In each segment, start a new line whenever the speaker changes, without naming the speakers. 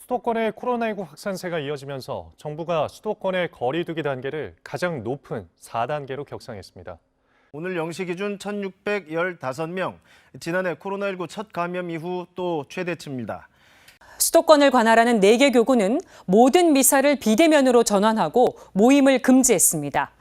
수도권의 코로나19 확산세가 이어지면서 정부가 수도권의 거리 두기 단계를 가장 높은 4단계로 격상했습니다.
오늘 0시 기준 1,615명, 지난해 코로나19 첫 감염 이후 또 최대치입니다.
수도권을 관할하는 4개 교구는 모든 미사를 비대면으로 전환하고 모임을 금지했습니다.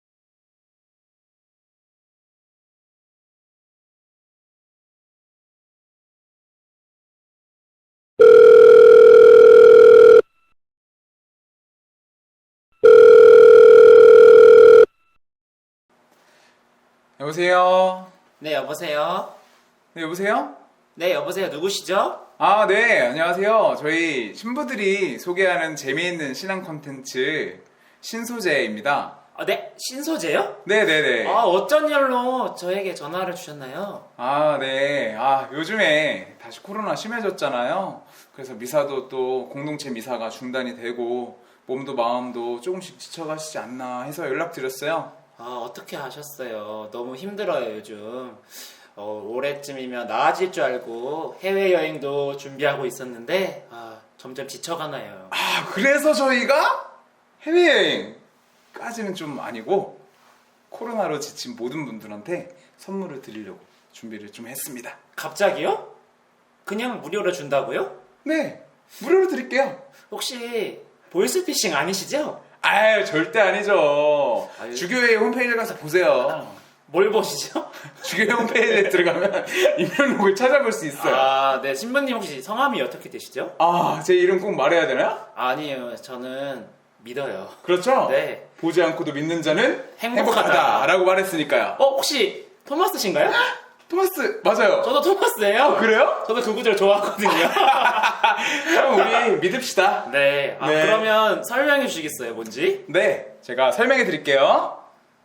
여보세요?
네, 여보세요?
네, 여보세요?
네, 여보세요? 누구시죠?
아, 네, 안녕하세요. 저희 신부들이 소개하는 재미있는 신앙 콘텐츠 신소재입니다.
네, 신소재요?
네네네.
어쩐 일로 저에게 전화를 주셨나요?
네. 요즘에 다시 코로나 심해졌잖아요. 그래서 미사도 또 공동체 미사가 중단이 되고 몸도 마음도 조금씩 지쳐가시지 않나 해서 연락드렸어요.
어떻게 하셨어요? 너무 힘들어요, 요즘. 올해쯤이면 나아질 줄 알고 해외여행도 준비하고 있었는데, 점점 지쳐가나요.
그래서 저희가 해외여행까지는 좀 아니고 코로나로 지친 모든 분들한테 선물을 드리려고 준비를 좀 했습니다.
갑자기요? 그냥 무료로 준다고요?
네, 무료로 드릴게요.
혹시 보이스피싱 아니시죠?
절대 아니죠. 주교회 홈페이지에 가서 보세요.
뭘 보시죠?
주교회 홈페이지에 들어가면 임명록을 찾아볼 수 있어요.
네, 신부님 혹시 성함이 어떻게 되시죠?
제 이름 꼭 말해야 되나요?
아니에요, 저는 믿어요.
그렇죠?
네.
보지 않고도 믿는 자는
행복하다.
행복하다라고 말했으니까요.
혹시 토마스신가요?
토마스, 맞아요.
저도 토마스예요.
그래요?
저도 그 구절 좋아하거든요.
그럼 우리 믿읍시다.
네.
네.
그러면 설명해 주시겠어요, 뭔지?
네, 제가 설명해 드릴게요.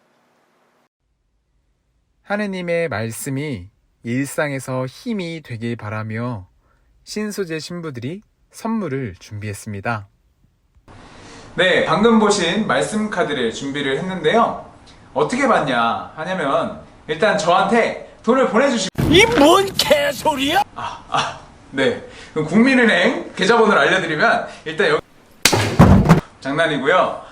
하느님의 말씀이 일상에서 힘이 되길 바라며 신소재 신부들이 선물을 준비했습니다. 네, 방금 보신 말씀 카드를 준비를 했는데요. 어떻게 받냐 하냐면 일단 저한테 돈을 보내주시고
이 뭔 개소리야?
네, 그럼 국민은행 계좌번호를 알려드리면 일단 여기 장난이고요.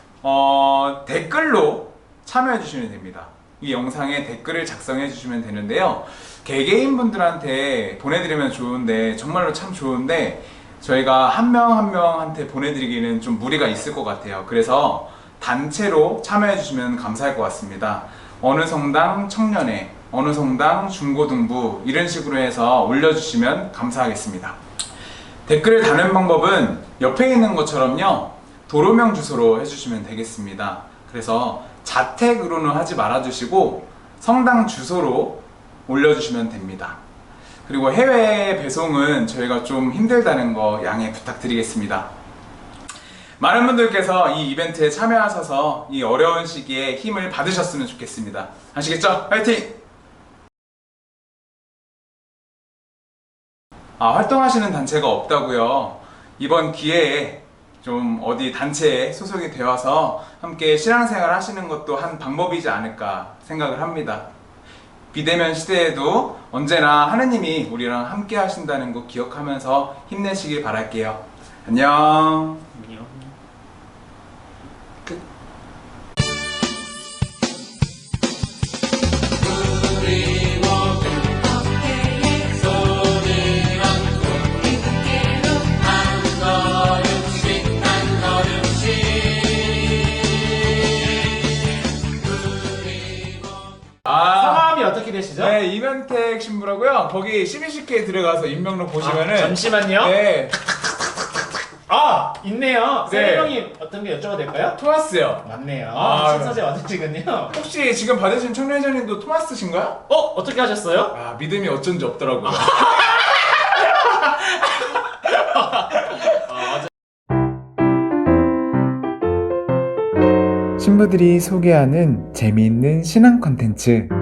댓글로 참여해 주시면 됩니다. 이 영상에 댓글을 작성해 주시면 되는데요. 개개인 분들한테 보내드리면 좋은데 정말로 참 좋은데 저희가 한 명 한 명한테 보내드리기는 좀 무리가 있을 것 같아요. 그래서 단체로 참여해 주시면 감사할 것 같습니다. 어느 성당 청년회, 어느 성당 중고등부 이런 식으로 해서 올려주시면 감사하겠습니다. 댓글을 다는 방법은 옆에 있는 것처럼요, 도로명 주소로 해주시면 되겠습니다. 그래서 자택으로는 하지 말아주시고 성당 주소로 올려주시면 됩니다. 그리고 해외 배송은 저희가 좀 힘들다는 거 양해 부탁드리겠습니다. 많은 분들께서 이 이벤트에 참여하셔서 이 어려운 시기에 힘을 받으셨으면 좋겠습니다. 아시겠죠? 화이팅! 활동하시는 단체가 없다고요? 이번 기회에 좀 어디 단체에 소속이 되어서 함께 신앙생활 하시는 것도 한 방법이지 않을까 생각을 합니다. 비대면 시대에도 언제나 하느님이 우리랑 함께 하신다는 거 기억하면서 힘내시길 바랄게요. 안녕.
성함이 어떻게 되시죠?
네, 이면택 신부라고요. 거기 CBCK 들어가서 임명록 보시면은
잠시만요.
네,
있네요.
네.
설명이 어떤 게 여쭤봐도 될까요?
토마스요.
맞네요.
아,
신소재 맞으시군요.
혹시 지금 받으신 청년회장님도 토마스신가요?
어떻게 하셨어요?
믿음이 어쩐지 없더라고요. 신부들이 소개하는 재미있는 신앙 콘텐츠